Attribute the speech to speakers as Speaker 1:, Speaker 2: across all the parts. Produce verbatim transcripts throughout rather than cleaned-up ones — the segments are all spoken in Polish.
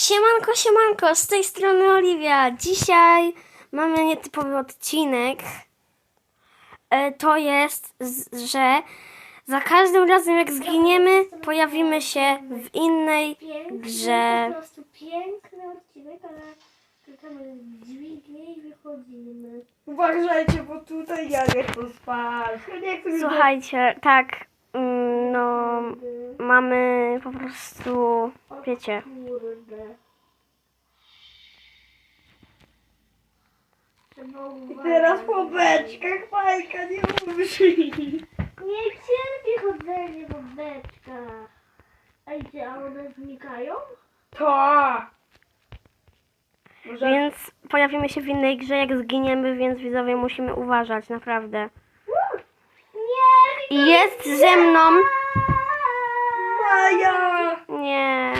Speaker 1: Siemanko, siemanko, z tej strony Oliwia. Dzisiaj mamy nietypowy odcinek. E, to jest, z, że za każdym razem jak zginiemy, pojawimy się w innej grze.
Speaker 2: Po prostu piękny odcinek, ale klikamy dźwignię i wychodzimy.
Speaker 3: Uważajcie, bo tutaj ja nie chcę spać. Ja nie chcę
Speaker 1: Słuchajcie, tak, mm, no mamy po prostu, wiecie,
Speaker 2: Kurde. Trzeba
Speaker 3: I teraz
Speaker 2: uważać.
Speaker 3: po beczkach Majka nie umrzyj.
Speaker 2: Nie cierpię chodzenie po beczkach. Ej, ty, a one znikają?
Speaker 3: To! Może...
Speaker 1: więc pojawimy się w innej grze jak zginiemy, więc widzowie musimy uważać, naprawdę.
Speaker 2: Nie!
Speaker 1: I jest ze mną,
Speaker 3: Maja!
Speaker 1: nie,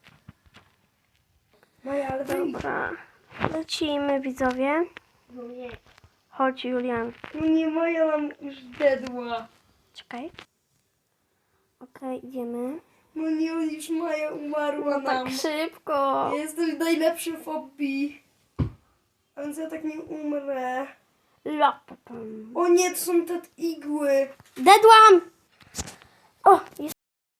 Speaker 3: Maja, ale daj.
Speaker 1: dobra, lecimy widzowie.
Speaker 2: No nie.
Speaker 1: Chodź Julian.
Speaker 3: No nie, Maja nam już dedła.
Speaker 1: Czekaj. Okej, idziemy.
Speaker 3: No nie, już Maja umarła
Speaker 1: No tak
Speaker 3: nam.
Speaker 1: szybko.
Speaker 3: Ja jestem najlepszy w hobby. A więc ja tak nie umrę.
Speaker 1: Lapapam.
Speaker 3: O nie, to są te igły.
Speaker 1: Dedłam! O, jest.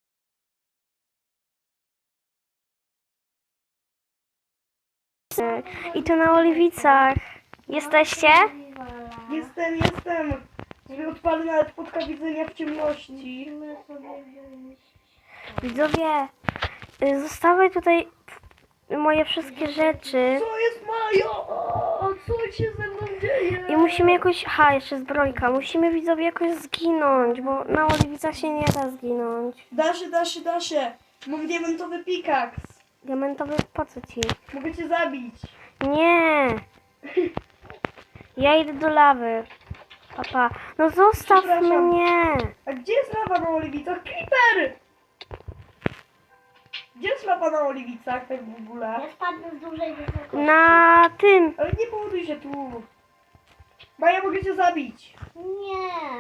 Speaker 1: I to na Oliwicach. Jesteście?
Speaker 3: Jestem, jestem. Sobie odpalę nawet podka widzenia w ciemności.
Speaker 2: Musimy sobie wziąć.
Speaker 1: Widzowie, y, zostawiaj tutaj moje wszystkie rzeczy.
Speaker 3: Co jest Maja? O, co się ze mną dzieje?
Speaker 1: I musimy jakoś... Ha, jeszcze zbrojka. Musimy widzowie jakoś zginąć, bo na Oliwicach się nie da zginąć.
Speaker 3: Daszy, daszy, daszy. Mam diamentowy pikaks.
Speaker 1: Diamentowy, po co ci?
Speaker 3: Mogę cię zabić.
Speaker 1: Nie! Ja idę do lawy. Papa. No zostaw
Speaker 3: Przepraszam.
Speaker 1: mnie!
Speaker 3: A gdzie jest lawa na oliwicach? Creeper! Gdzie jest lawa na oliwicach tak w ogóle?
Speaker 2: Ja spadnę z dużej wysokości.
Speaker 1: Na tym!
Speaker 3: Ale nie powoduj się tu. Maja, mogę cię zabić.
Speaker 2: Nie.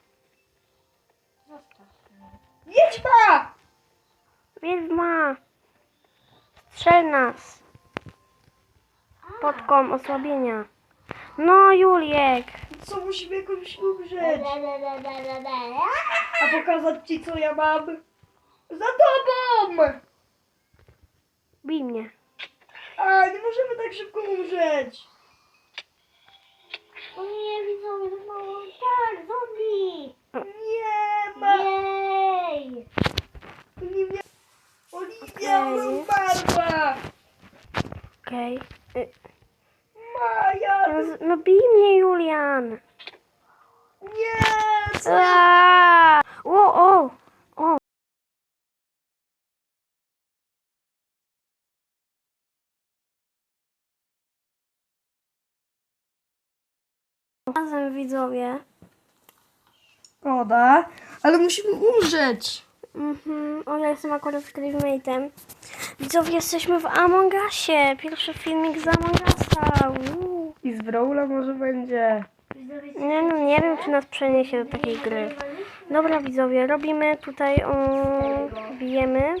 Speaker 2: Zostaw mnie.
Speaker 3: Wiedźma!
Speaker 1: Wiedźma! Strzel nas! Podkom osłabienia. No Juliek!
Speaker 3: Co, musimy jakoś
Speaker 2: Le,
Speaker 3: umrzeć.
Speaker 2: le, le, le, le, le.
Speaker 3: A pokazać ci, co ja mam. Za tobą!
Speaker 1: Bij mnie.
Speaker 3: A, nie możemy tak szybko umrzeć.
Speaker 2: O nie, widzowie, to mało. Tak, zombie.
Speaker 3: Nie ma.
Speaker 2: Jej.
Speaker 3: Nie wiem. Oliwia,
Speaker 1: Okej.
Speaker 3: ona umarła.
Speaker 1: Okej. Y,
Speaker 3: Maja,
Speaker 1: No, z- no bij mnie Julian!
Speaker 3: nie. Co?
Speaker 1: Aaaa! O, o! O! Razem widzowie.
Speaker 3: Szkoda, ale musimy umrzeć.
Speaker 1: Mhm. O, ja jestem akurat Screammate'em. Widzowie, jesteśmy w Among Usie. Pierwszy filmik z Among Usa. Uuu.
Speaker 3: I z Brawla może będzie.
Speaker 2: Widzowie,
Speaker 1: Nie, no, nie wiem, czy nas przeniesie do takiej gry. Dobra, widzowie, robimy tutaj, o, bijemy.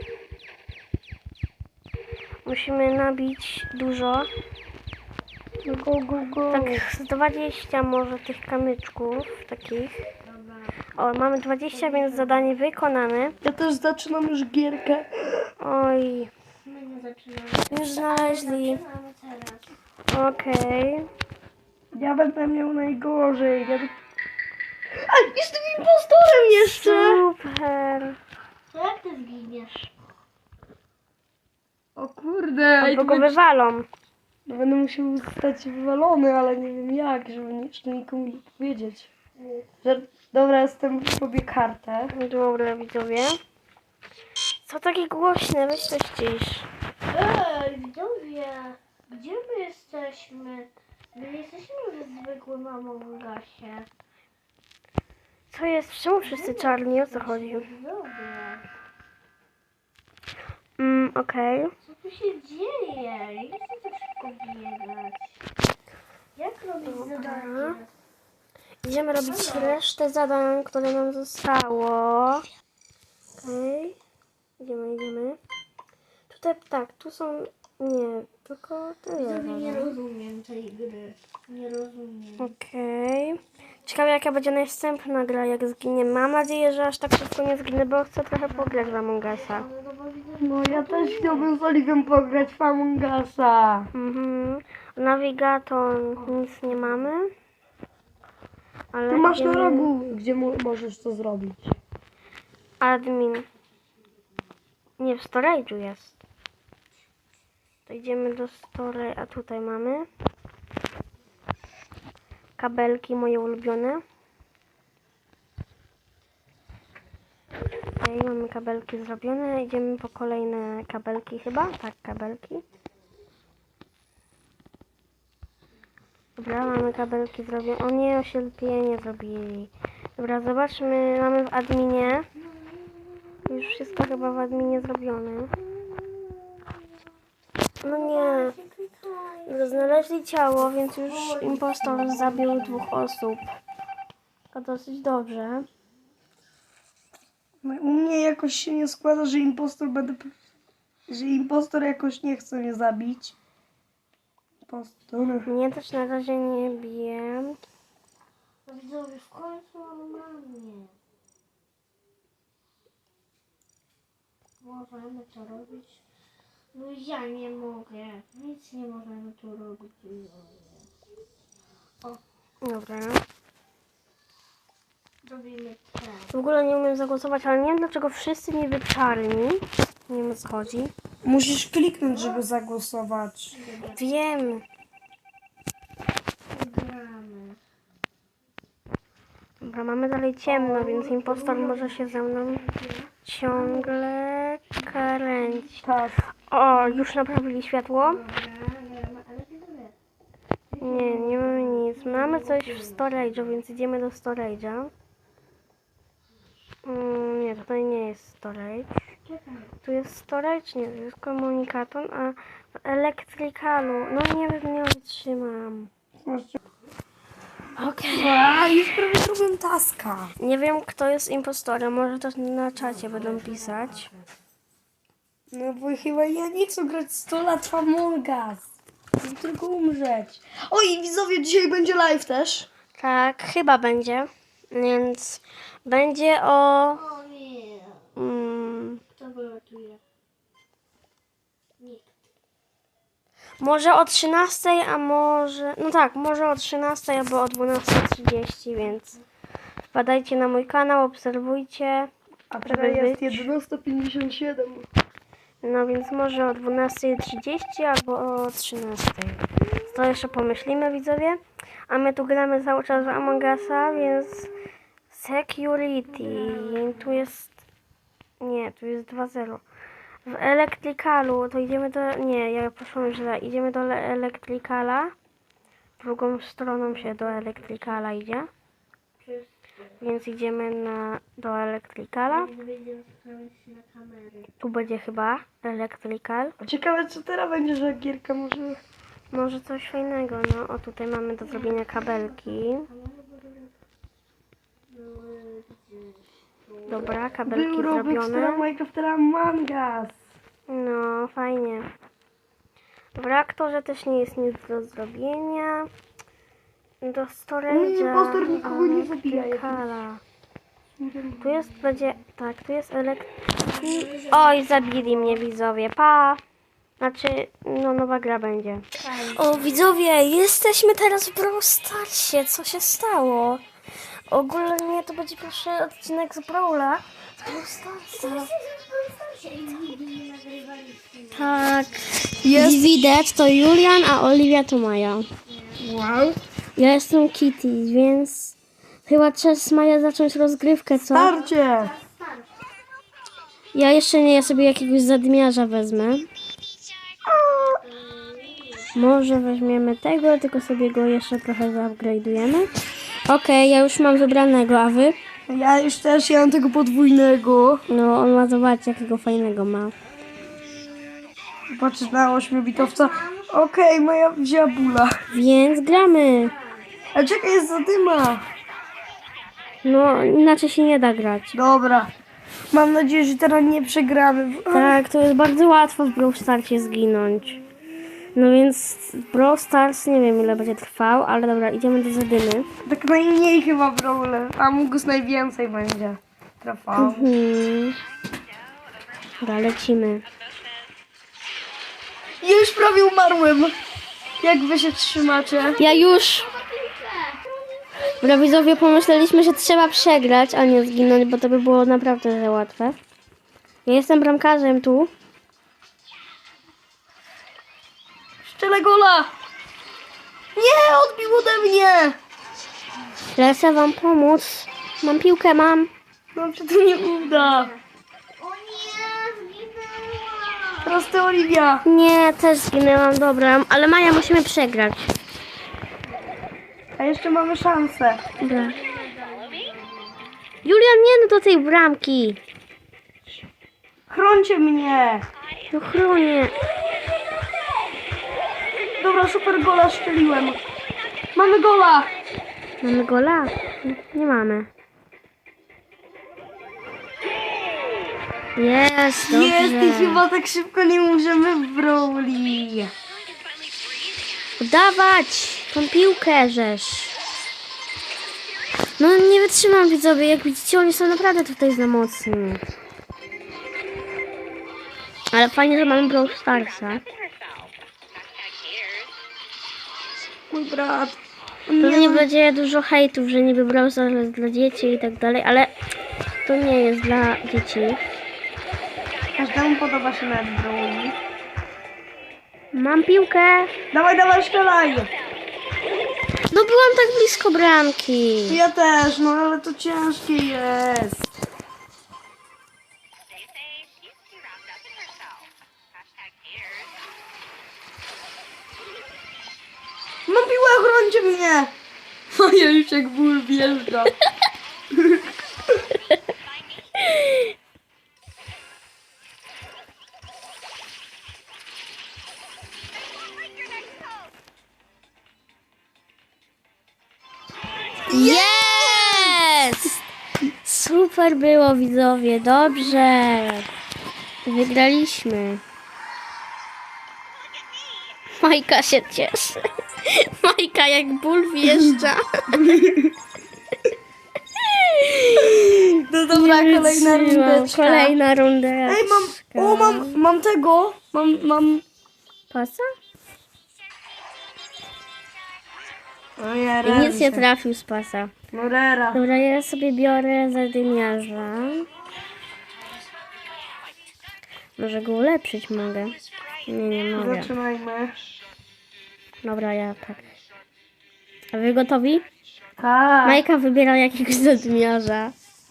Speaker 1: Musimy nabić dużo.
Speaker 3: Go, go, go.
Speaker 1: Tak z dwadzieścia może tych kamyczków takich. O, mamy dwadzieścia, więc zadanie wykonane.
Speaker 3: Ja też zaczynam już gierkę.
Speaker 1: Oj,
Speaker 2: my nie zaczynamy.
Speaker 1: już znaleźli.
Speaker 2: Zaczynamy teraz.
Speaker 1: Okej.
Speaker 3: Ja będę miał najgorzej. Ja... A, jestem impostorem jeszcze!
Speaker 1: Super.
Speaker 2: To jak ty zginiesz?
Speaker 3: O kurde.
Speaker 1: Albo go wywalą.
Speaker 3: No będę musiał zostać wywalony, ale nie wiem jak, żeby nie- jeszcze nikomu nie powiedzieć. Że, dobra, jestem w sobie kartę.
Speaker 1: Dobra, widzowie. Co takie głośne? Weź to ścisz.
Speaker 2: Ej, widzowie, gdzie my jesteśmy? My nie jesteśmy w zwykłym Among Usie.
Speaker 1: Co jest? Czemu wszyscy czarni? O co chodzi?
Speaker 2: Widzowie,
Speaker 1: Mm, okej.
Speaker 2: co tu się dzieje? Nie chcę tak szybko biegać. Jak robić zadanie?
Speaker 1: Idziemy robić resztę zadań, które nam zostało. Okej. Idziemy, idziemy. te, tak, tu są, nie, tylko tyle.
Speaker 2: Widzowie, nie
Speaker 1: chyba.
Speaker 2: rozumiem tej gry. Nie rozumiem.
Speaker 1: Okej. Ciekawe jaka będzie następna gra, jak zginie. Mam nadzieję, że aż tak szybko nie zginę, bo chcę trochę pograć w Among Usa.
Speaker 2: Ale no bo widzę,
Speaker 3: No ja też chciałbym z Oliwiem pograć w Among Usa.
Speaker 1: Mhm. Nawigator nic nie mamy. Ale
Speaker 3: Tu masz na
Speaker 1: idziemy-
Speaker 3: rogu, gdzie mo- możesz to zrobić.
Speaker 1: Admin. Nie, w storage'u jest. To idziemy do storage, a tutaj mamy kabelki moje ulubione. Okej, mamy kabelki zrobione. Idziemy po kolejne kabelki chyba. Tak, kabelki. Dobra, mamy kabelki zrobione. O nie, oślepienie zrobili. Dobra, zobaczmy. Mamy w adminie. Już wszystko chyba w adminie zrobione. No nie. No, znaleźli ciało, więc już impostor zabił dwóch osób. To dosyć dobrze.
Speaker 3: No, u mnie jakoś się nie składa, że impostor będę... Że impostor jakoś nie chce mnie zabić. Impostor...
Speaker 1: Mnie też na razie nie bije.
Speaker 2: no widzowie, w końcu normalnie. Możemy to robić. No ja nie mogę. Nic nie możemy tu robić. widzowie.
Speaker 1: Dobra.
Speaker 2: Robimy tak.
Speaker 1: W ogóle nie umiem zagłosować, ale nie wiem dlaczego wszyscy niby czarni. Nie wiem o co chodzi.
Speaker 3: Musisz kliknąć, żeby zagłosować.
Speaker 1: Wiem.
Speaker 2: Gramy.
Speaker 1: Dobra, mamy dalej ciemno, więc impostor może się ze mną ciągle kręcić.
Speaker 3: Tak.
Speaker 1: O, już naprawili światło?
Speaker 2: Dobra, gramy, ale widzowie.
Speaker 1: Nie, nie mamy nic. Mamy coś w storage'u, więc idziemy do storage'a. Mm, nie, tutaj nie jest storage.
Speaker 2: Czekaj.
Speaker 1: Tu jest storage? Nie, to jest komunikator, a w elektrykalu, no nie wiem, nie wytrzymam. Okej.
Speaker 3: A, już prawie zrobiłem taska.
Speaker 1: Nie wiem, kto jest impostorem, może też na czacie będą pisać.
Speaker 3: No bo chyba ja nie chcę grać sto lat w Among Us. Chcę tylko umrzeć. Oj, widzowie, dzisiaj będzie live też.
Speaker 1: Tak, chyba będzie. Więc będzie o...
Speaker 2: O nie.
Speaker 1: Mm,
Speaker 2: Kto wylatuje? Nikt.
Speaker 1: może o trzynastej, a może... No tak, może o trzynastej albo o dwunastej trzydzieści, więc wpadajcie na mój kanał, obserwujcie.
Speaker 3: A
Speaker 1: Żeby
Speaker 3: teraz jest
Speaker 1: być.
Speaker 3: jedenaста pięćdziesiąt siedem.
Speaker 1: No więc może o dwunastej trzydzieści albo o trzynastej. To jeszcze pomyślimy, widzowie. A my tu gramy cały czas w Among Usa, więc security. Tu jest... Nie, tu jest dwa zero. W elektrykalu to idziemy do... Nie, ja poszłam źle. Idziemy do le- elektrykala. Drugą stroną się do elektrykala idzie.
Speaker 2: Wszyscy.
Speaker 1: Więc idziemy na, do elektrykala.
Speaker 2: Nie będziemy sprawiać się na kamery.
Speaker 1: Tu będzie chyba elektrykal.
Speaker 3: Ciekawe, co teraz będzie, że gierka może...
Speaker 1: Może coś fajnego, no. O, tutaj mamy do zrobienia kabelki. Dobra, kabelki
Speaker 3: Był Roblox,
Speaker 1: zrobione.
Speaker 3: teraz Minecraft, teraz Among Us.
Speaker 1: No, fajnie. W reaktorze też nie jest nic do zrobienia. Do storage'a.
Speaker 3: Impostor nikogo nie zabija,
Speaker 1: elektrykala. Tu jest, będzie, tak, tu jest elekt... Oj, zabili mnie widzowie, pa! Znaczy, no nowa gra będzie. O widzowie, jesteśmy teraz w Brawl Starsie, co się stało? Ogólnie to będzie pierwszy odcinek z Brawla. Z Brawl Starsa. Tak, jest. Widać, to Julian, a Oliwia to Maja.
Speaker 3: Wow.
Speaker 1: Ja jestem Kitty, więc chyba czas Maja zacząć rozgrywkę, co?
Speaker 3: Starcie.
Speaker 1: Ja jeszcze nie, ja sobie jakiegoś zadmiarza wezmę. Może weźmiemy tego, tylko sobie go jeszcze trochę zaupgrade'ujemy. Okej, ja już mam wybranego, a wy?
Speaker 3: Ja już też, ja mam tego podwójnego.
Speaker 1: No, on ma, zobaczyć jakiego fajnego ma.
Speaker 3: Patrzę na ośmiobitowca. Okej, moja wzięła bula.
Speaker 1: Więc gramy.
Speaker 3: A czekaj, jest zadyma.
Speaker 1: No, inaczej się nie da grać.
Speaker 3: Dobra. Mam nadzieję, że teraz nie przegramy. bo-
Speaker 1: Tak, to jest bardzo łatwo w Brawl Starsie zginąć. No więc Brawl Stars nie wiem ile będzie trwał, ale dobra, idziemy do Zadymy.
Speaker 3: Tak najmniej chyba Brawler. A Mógł najwięcej będzie trwał.
Speaker 1: Hmm. Dobra, lecimy.
Speaker 3: Już prawie umarłem. Jak wy się trzymacie?
Speaker 1: Ja już! Dobra, widzowie, pomyśleliśmy, że trzeba przegrać, a nie zginąć, bo to by było naprawdę za łatwe. Ja jestem bramkarzem tu.
Speaker 3: Szczelę gola! Nie, odbił ode mnie!
Speaker 1: Lecę wam pomóc. Mam piłkę, mam.
Speaker 3: No czy to nie uda?
Speaker 2: O nie, zginęłam.
Speaker 3: Prosty Oliwia.
Speaker 1: Nie, też zginęłam, dobra. Ale Maja, musimy przegrać.
Speaker 3: A jeszcze mamy szansę.
Speaker 1: Dobra. Julian, nie no do tej bramki.
Speaker 3: Chrońcie mnie.
Speaker 1: No chronię.
Speaker 3: Dobra, super gola strzeliłem. Mamy gola.
Speaker 1: Mamy gola? Nie mamy. Jest, dobrze.
Speaker 3: Jest i chyba tak szybko nie możemy w Brawli.
Speaker 1: Dawać tą piłkę, żeż. No nie wytrzymam, widzowie. Jak widzicie, oni są naprawdę tutaj za mocni. Ale fajnie, że mamy Brawl Starsa.
Speaker 3: Mój brat.
Speaker 1: Pewnie będzie dużo hejtów, że niby Brawl Stars jest dla dzieci i tak dalej, ale to nie jest dla dzieci.
Speaker 3: Każdemu podoba się nawet Brawli.
Speaker 1: Mam piłkę.
Speaker 3: Dawaj, dawaj, strzelaj.
Speaker 1: No byłam tak blisko bramki.
Speaker 3: Ja też, no ale to ciężkie jest. Mam piłę, chrońcie mnie. Moja już jak ból wjeżdża.
Speaker 1: Jest! Super było, widzowie, dobrze. Wygraliśmy. Majka się cieszy. Majka jak ból wjeżdża.
Speaker 3: No dobra,
Speaker 1: Nie
Speaker 3: kolejna
Speaker 1: wytrzymam.
Speaker 3: rundeczka.
Speaker 1: Kolejna rundeczka.
Speaker 3: Ej, mam, o mam, mam tego. Mam, mam.
Speaker 1: Pasa?
Speaker 3: O ja
Speaker 1: I nic nie trafił z pasa.
Speaker 3: No rera.
Speaker 1: Dobra, ja sobie biorę zadymiarza. Może go ulepszyć mogę. Nie, nie mogę.
Speaker 3: Zaczynajmy.
Speaker 1: Dobra, ja tak. A wy gotowi?
Speaker 3: Tak.
Speaker 1: Majka wybiera jakiegoś zadymiarza.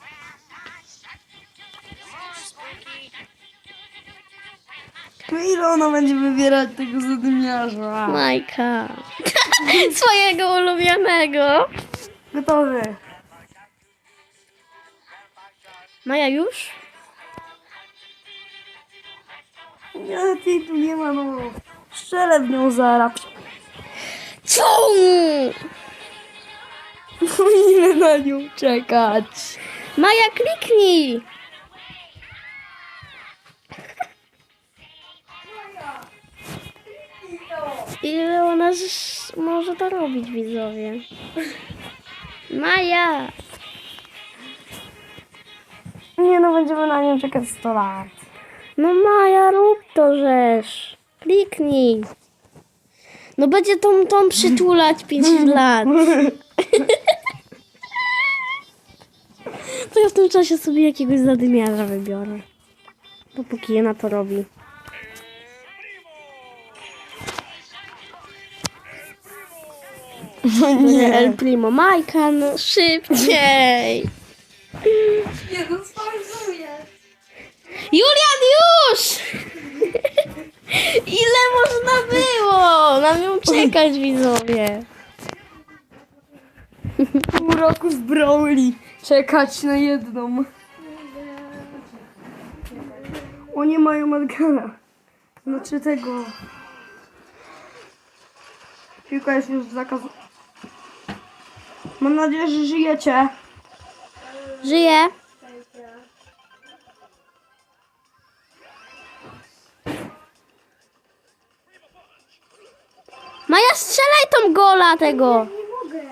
Speaker 3: No ile ona będzie wybierać tego zadymiarza?
Speaker 1: Majka. Swojego ulubionego.
Speaker 3: Gotowy.
Speaker 1: Maja już?
Speaker 3: Nie, ty tu nie ma, no. Strzelę w nią zaraz.
Speaker 1: Co?
Speaker 3: Musimy na nią czekać.
Speaker 1: Maja, kliknij! Ile ona ż- może to robić, widzowie? Maja!
Speaker 3: Nie no, będziemy na nią czekać sto lat.
Speaker 1: No Maja, rób to żeż. Kliknij. No będzie tą, tą przytulać pięć lat. To ja w tym czasie sobie jakiegoś zadymiarza wybiorę. Dopóki ona to robi.
Speaker 3: No
Speaker 1: Nie. El Primo. Majka, no szybciej.
Speaker 3: Nie, no spauzuję.
Speaker 1: Julian, już! Ile można było na nią czekać, widzowie?
Speaker 3: Pół roku z Brawli. Czekać na jedną. Oni mają Edgara. Znaczy tego. Piłka jest już zakaz. Mam nadzieję, że żyjecie.
Speaker 1: Żyje. Maja, strzelaj tą gola tego.
Speaker 2: Nie mogę.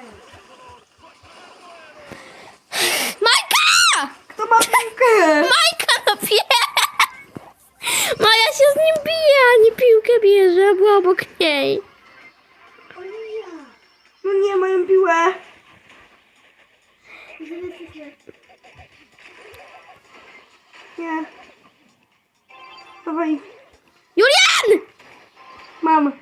Speaker 1: Majka!
Speaker 3: Kto ma piłkę?
Speaker 1: Majka, no pie... Maja się z nim bije, a nie piłkę bierze, a była obok niej.
Speaker 2: Oliwia.
Speaker 3: No nie, mają piłę. Nie. Dawaj.
Speaker 1: Julian!
Speaker 3: Mam.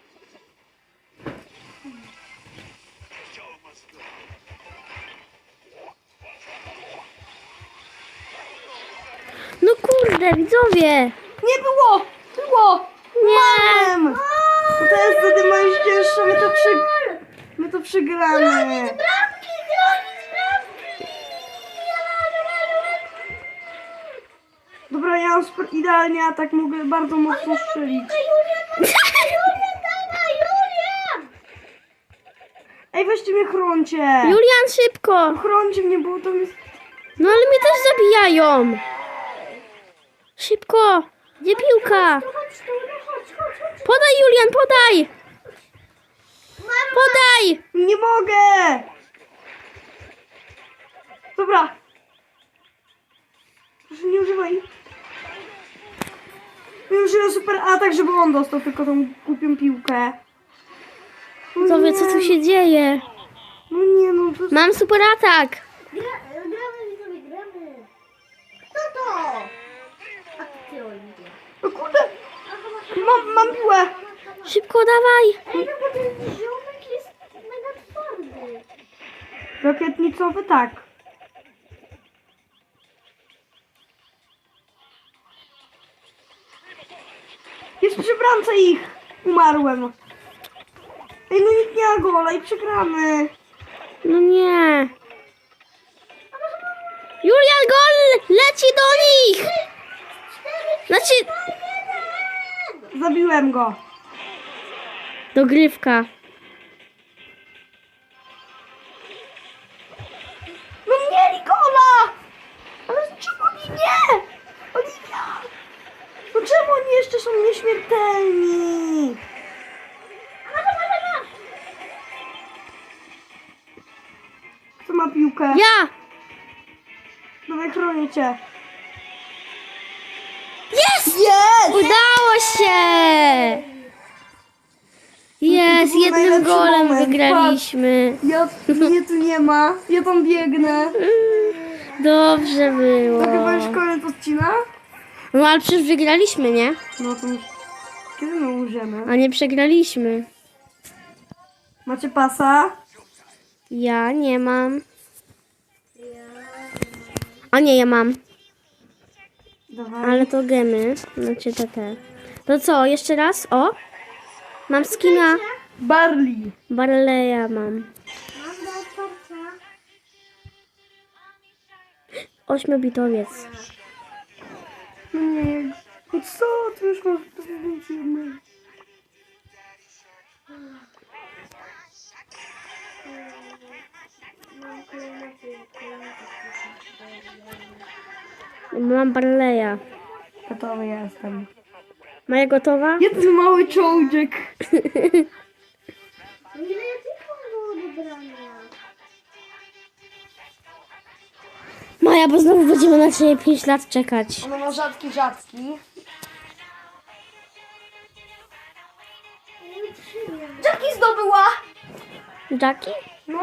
Speaker 1: No kurde, widzowie.
Speaker 3: Nie było! Było!
Speaker 1: Nie.
Speaker 3: Mam! No to jest wtedy moździerz, my to przy... My to przegramy.
Speaker 2: Bramki, bronić bramki!
Speaker 3: Dobra, ja mam super idealnie atak, mogę bardzo mocno strzelić.
Speaker 2: Julian, Julian, dawaj, Julian!
Speaker 3: Ej, weźcie mnie, chroncie!
Speaker 1: Julian, szybko.
Speaker 3: Chroncie mnie, bo to jest...
Speaker 1: No ale mnie też zabijają. Szybko. Gdzie piłka?
Speaker 2: Chodź tu, no chodź, chodź, chodź.
Speaker 1: Podaj, Julian, podaj.
Speaker 2: Mama,
Speaker 1: Podaj.
Speaker 3: Nie mogę! Dobra. Proszę, nie używaj. Ja użyłem super atak, żeby on dostał tylko tą głupią piłkę. No
Speaker 1: Widzowie, co tu się dzieje?
Speaker 3: No nie, no to...
Speaker 1: Mam super atak.
Speaker 2: gra, gramy, widzowie, gramy. Kto to? A to ty, Oliwia.
Speaker 3: No kurde! Mam, mam piłę!
Speaker 1: Szybko, dawaj.
Speaker 2: Ej, no bo ten ziomek jest mega twardy.
Speaker 3: Rakietnicowy tak. Jest przy bramce ich! Umarłem. Ej, no nikt nie ma gola i przegramy.
Speaker 1: No nie. Julian, gol leci do nich. Znaczy,
Speaker 3: Zabiłem go.
Speaker 1: dogrywka.
Speaker 3: No mieli gola! Ale czemu oni nie? Oliwia! No czemu oni jeszcze są nieśmiertelni? Kto ma piłkę?
Speaker 1: Ja.
Speaker 3: Dawaj, chronię cię.
Speaker 1: Jest.
Speaker 3: Jest!
Speaker 1: Udało się. Jest,
Speaker 3: był
Speaker 1: jednym
Speaker 3: najlepszy
Speaker 1: golem
Speaker 3: moment.
Speaker 1: wygraliśmy.
Speaker 3: Ja, mnie tu nie ma. Ja tam biegnę.
Speaker 1: Dobrze było.
Speaker 3: To chyba już koniec odcina?
Speaker 1: No ale przecież wygraliśmy, nie?
Speaker 3: No to już... Kiedy my umrzemy?
Speaker 1: A nie przegraliśmy.
Speaker 3: Macie pasa?
Speaker 1: Ja nie mam. A nie, ja mam.
Speaker 3: Dawaj.
Speaker 1: Ale to gemy. Znaczy te te. To co, jeszcze raz? O! Mam skina.
Speaker 3: Barley.
Speaker 1: Barleya mam.
Speaker 2: Mam do otwarcia.
Speaker 1: Ośmiobitowiec.
Speaker 3: No nie. No co? Ty już masz to więcej jednej.
Speaker 2: Mam kolejne kolejne
Speaker 1: Mam Barleya.
Speaker 3: Gotowy jestem.
Speaker 1: Maja gotowa?
Speaker 3: Jeden mały czołdzik.
Speaker 2: Ile ja tylko było odebrania?
Speaker 1: Maja, bo znowu będziemy na ciebie pięć lat czekać.
Speaker 3: Ona ma rzadki, rzadki.
Speaker 2: Nie przyjemnie.
Speaker 3: Jackie zdobyła!
Speaker 1: Jackie?
Speaker 3: No.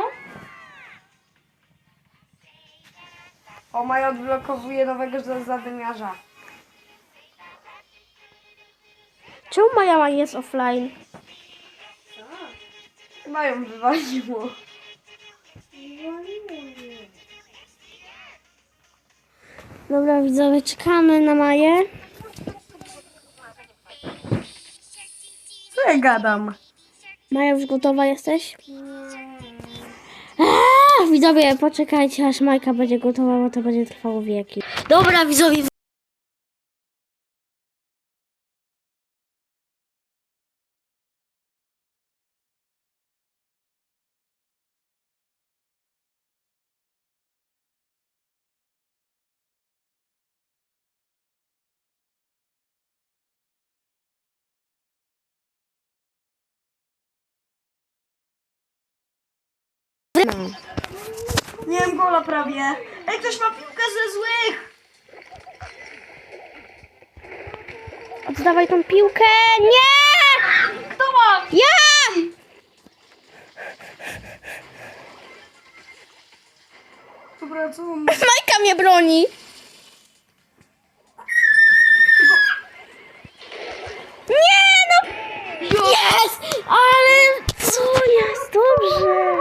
Speaker 3: O, Maja odblokowuje nowego za- zadymiarza.
Speaker 1: Czemu Maja jest offline?
Speaker 3: Chyba ją wywaliło.
Speaker 1: Dobra, widzowie, czekamy na Maję.
Speaker 3: Co ja gadam?
Speaker 1: Maja, już gotowa jesteś? Eee, widzowie, poczekajcie, aż Majka będzie gotowa, bo to będzie trwało wieki. Dobra, widzowie,
Speaker 3: Nie wiem, gola prawie. Ej, ktoś ma piłkę ze złych.
Speaker 1: Oddawaj tą piłkę. Nie!
Speaker 3: Kto ma?
Speaker 1: Ja!
Speaker 3: Dobra, co mam?
Speaker 1: Majka mnie broni. Nie no! Jest! Ale co jest? Dobrze.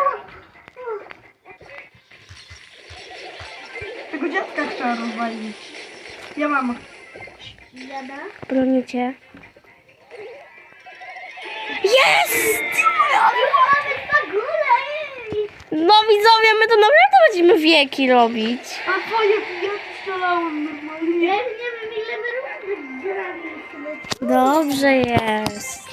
Speaker 3: Tego dziadka trzeba rozwalić. Ja mam.
Speaker 2: Jada?
Speaker 1: Bronię cię. Jest!
Speaker 2: Na górę!
Speaker 1: No widzowie, my to naprawdę będziemy wieki robić.
Speaker 3: A twoje ja strzelałem normalnie.
Speaker 2: Ja nie wiem ile my rundy graliśmy.
Speaker 1: Dobrze jest.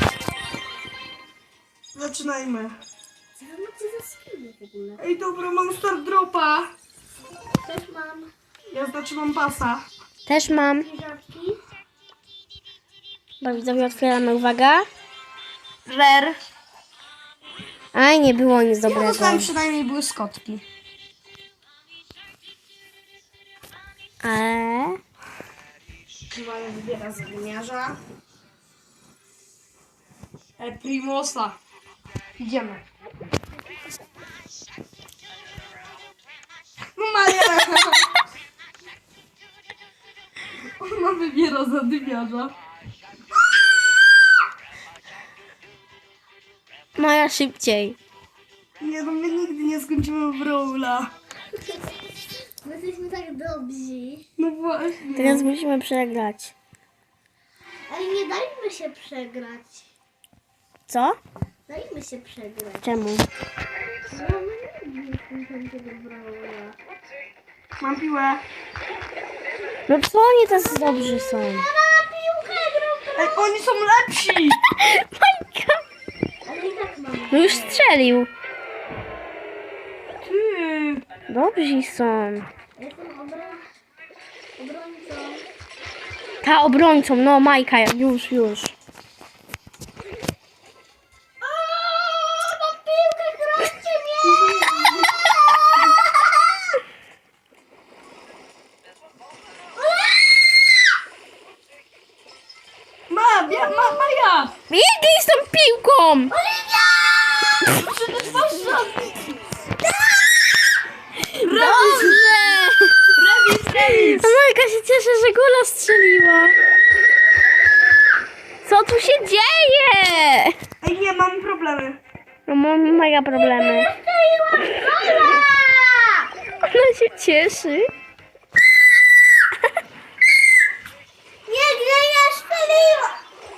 Speaker 3: Zaczynajmy.
Speaker 2: Co wy macie za skiny w ogóle?
Speaker 3: Ej, dobra, mam start dropa.
Speaker 2: Też mam
Speaker 3: Ja znaczy mam pasa.
Speaker 1: Też mam.
Speaker 2: piżamki.
Speaker 1: Bo widzowie otwieramy, uwaga.
Speaker 3: Rare.
Speaker 1: Aj, nie było nic
Speaker 3: Ja
Speaker 1: dobrego.
Speaker 3: dostałem przynajmniej błyskotki.
Speaker 1: Ale...
Speaker 3: Chyba je wybiera z wymiarza. E, Primosa. Idziemy. No Maja! Ona wybiera za dymiarza.
Speaker 1: Maja szybciej.
Speaker 3: Nie, no my nigdy nie skończymy Brawla.
Speaker 2: My jesteśmy tak dobrzy.
Speaker 3: No właśnie.
Speaker 1: Teraz musimy przegrać.
Speaker 2: Ale nie dajmy się przegrać.
Speaker 1: Co?
Speaker 2: Dajmy się przegrać.
Speaker 1: Czemu?
Speaker 2: No my nigdy nie skończymy Brawla.
Speaker 3: Mam piłę.
Speaker 1: No co oni tacy dobrzy są?
Speaker 2: Na piłkę gram!
Speaker 3: Ej, oni są lepsi!
Speaker 1: Majka!
Speaker 2: Ale i tak mam.
Speaker 1: No już strzelił.
Speaker 3: Ty.
Speaker 1: Dobrzy są.
Speaker 2: Jestem obron... obrońcą.
Speaker 1: Ta obrońcą, no Majka, już, już.
Speaker 2: Mam piłkę, chroncie mnie!
Speaker 3: Ma, ja, ma, Maja!
Speaker 1: Biegnij z tą piłką!
Speaker 3: Przecież masz żadnych.
Speaker 1: Dobrze!
Speaker 3: Remis, remis!
Speaker 1: A Majka się cieszy, że gola strzeliła. Co tu się dzieje?
Speaker 3: Ej, nie, mam problemy.
Speaker 1: No mam mega problemy. Ona się cieszy.
Speaker 2: Nie, nie, ja strzeliłam!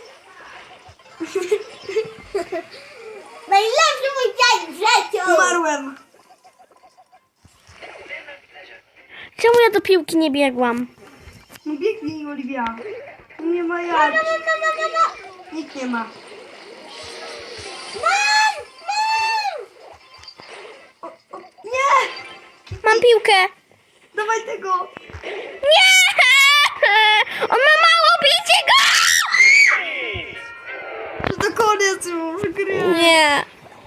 Speaker 2: Najlepszy mój dzień w życiu!
Speaker 3: Umarłem.
Speaker 1: Czemu ja do piłki nie biegłam?
Speaker 3: No biegnij, Oliwia. Nie ma jak. Nikt nie ma.
Speaker 2: Mam! Mam!
Speaker 3: O, o, nie!
Speaker 1: Mam piłkę.
Speaker 3: Dawaj tego.
Speaker 1: Nie! On ma mało, bijcie go!
Speaker 3: Że to koniec już gry.
Speaker 1: Nie.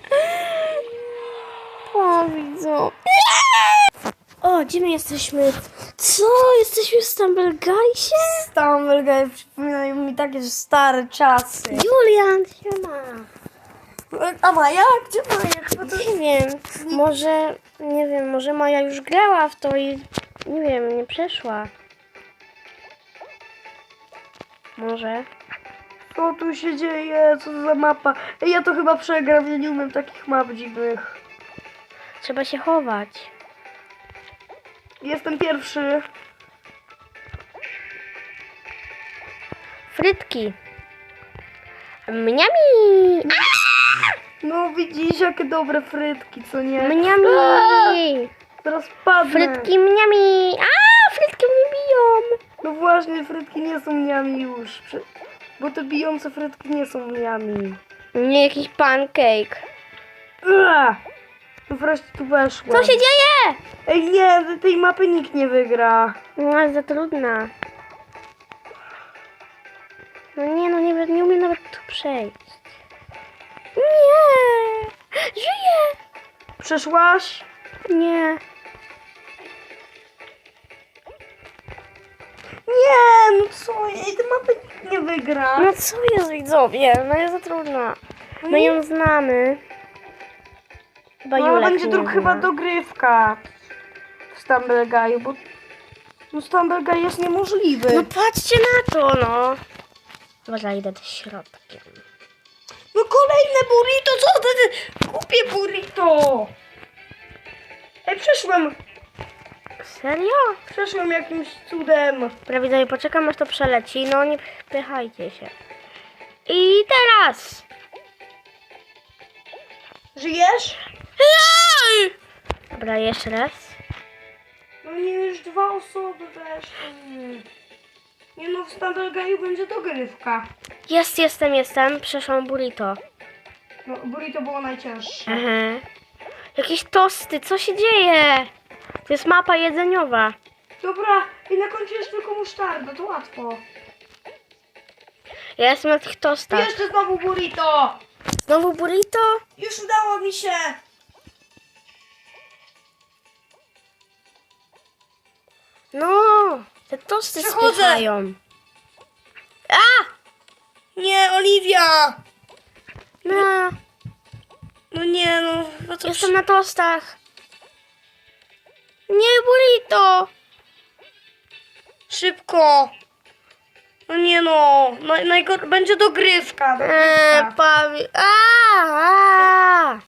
Speaker 1: O, widzą. O, gdzie my jesteśmy? Co? Jesteśmy w Stumbleguysie?
Speaker 3: Stumblegate przypominają mi takie stare czasy.
Speaker 1: Julian, siema.
Speaker 3: A Maja? Gdzie Maja? Chyba to...
Speaker 1: Nie wiem, może, nie wiem, może Maja już grała w to i, nie wiem, nie przeszła. Może.
Speaker 3: Co tu się dzieje? Co to za mapa? Ej, ja to chyba przegram, ja nie umiem takich map dziwnych.
Speaker 1: Trzeba się chować.
Speaker 3: Jestem pierwszy.
Speaker 1: Frytki. Mniami!
Speaker 3: No widzisz, jakie dobre frytki, co nie?
Speaker 1: Mniami!
Speaker 3: Teraz padnę.
Speaker 1: Frytki mniami! A, frytki mnie biją!
Speaker 3: No właśnie, frytki nie są mniami już. Prze- Bo te bijące frytki nie są mniami.
Speaker 1: Nie, jakiś pancake.
Speaker 3: Ua! No wreszcie tu weszło.
Speaker 1: Co się dzieje?
Speaker 3: Ej, nie, tej mapy nikt nie wygra.
Speaker 1: No, jest za trudna. No nie, no nie, nie umiem nawet tu przejść. Nie! Żyję!
Speaker 3: Przeszłaś?
Speaker 1: Nie.
Speaker 3: Nie, no co? Ej, ty mapy nikt nie wygra.
Speaker 1: No co jest, widzowie? No jest za trudna. My ją znamy. Chyba
Speaker 3: No, ale
Speaker 1: Julek
Speaker 3: będzie
Speaker 1: nie
Speaker 3: dru- chyba
Speaker 1: zna.
Speaker 3: dogrywka w Stumble Guy, bo no Stumble Guy jest niemożliwy.
Speaker 1: No patrzcie na to, no. Dobra, idę do środkiem.
Speaker 3: No kolejne burrito, co ty? ty- Kupię burrito. Ej, przeszłem,
Speaker 1: Serio?
Speaker 3: przeszłem jakimś cudem.
Speaker 1: Dobra, widzowie, poczekam aż to przeleci. No nie pychajcie się. I teraz!
Speaker 3: Żyjesz?
Speaker 1: Dobra, jeszcze raz.
Speaker 3: No nie, już dwa osoby weszły. Nie no, w Stumble Guy'u będzie dogrywka.
Speaker 1: Jest, jestem, jestem. Przeszłam burrito.
Speaker 3: No, burrito było najcięższe.
Speaker 1: Aha. Jakieś tosty, co się dzieje? To jest mapa jedzeniowa.
Speaker 3: Dobra, i na końcu jest tylko musztarda, to łatwo.
Speaker 1: Ja jestem na tych tostach.
Speaker 3: Jeszcze znowu burrito!
Speaker 1: Znowu burrito?
Speaker 3: Już udało mi się!
Speaker 1: No, te tosty
Speaker 3: Przechodzę.
Speaker 1: spychają. A!
Speaker 3: Nie, Oliwia!
Speaker 1: No,
Speaker 3: No nie, no, no to
Speaker 1: jestem na tostach. Nie, burrito!
Speaker 3: szybko! No nie no, no najgor- będzie dogrywka.
Speaker 1: Eee,
Speaker 3: dogrywka.
Speaker 1: pawi... A, a.